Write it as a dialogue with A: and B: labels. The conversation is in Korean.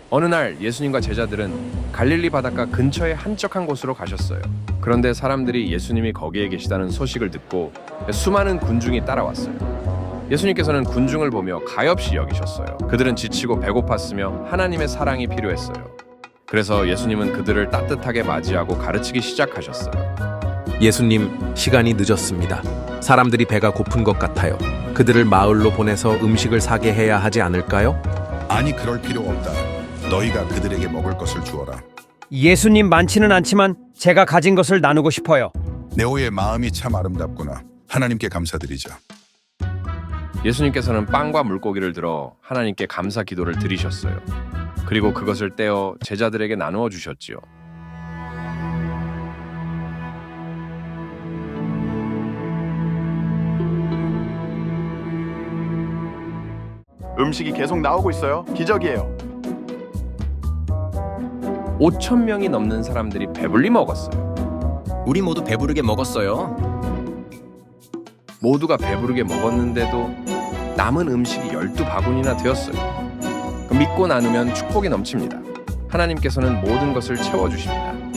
A: 어느 날 예수님과 제자들은 갈릴리 바닷가 근처의 한적한 곳으로 가셨어요. 그런데 사람들이 예수님이 거기에 계시다는 소식을 듣고 수많은 군중이 따라왔어요. 예수님께서는 군중을 보며 가엾이 여기셨어요. 그들은 지치고 배고팠으며 하나님의 사랑이 필요했어요. 그래서 예수님은 그들을 따뜻하게 맞이하고 가르치기 시작하셨어요.
B: 예수님, 시간이 늦었습니다. 사람들이 배가 고픈 것 같아요. 그들을 마을로 보내서 음식을 사게 해야 하지 않을까요?
C: 아니, 그럴 필요 없다. 너희가 그들에게 먹을 것을 주어라.
D: 예수님, 많지는 않지만 제가 가진 것을 나누고 싶어요.
C: 네오의 마음이 참 아름답구나. 하나님께 감사드리자.
A: 예수님께서는 빵과 물고기를 들어 하나님께 감사 기도를 드리셨어요. 그리고 그것을 떼어 제자들에게 나누어 주셨지요.
E: 음식이 계속 나오고 있어요. 기적이에요.
A: 5천 명이 넘는 사람들이 배불리 먹었어요.
F: 우리 모두 배부르게 먹었어요.
A: 모두가 배부르게 먹었는데도 남은 음식이 12바구니나 되었어요. 믿고 나누면 축복이 넘칩니다. 하나님께서는 모든 것을 채워주십니다.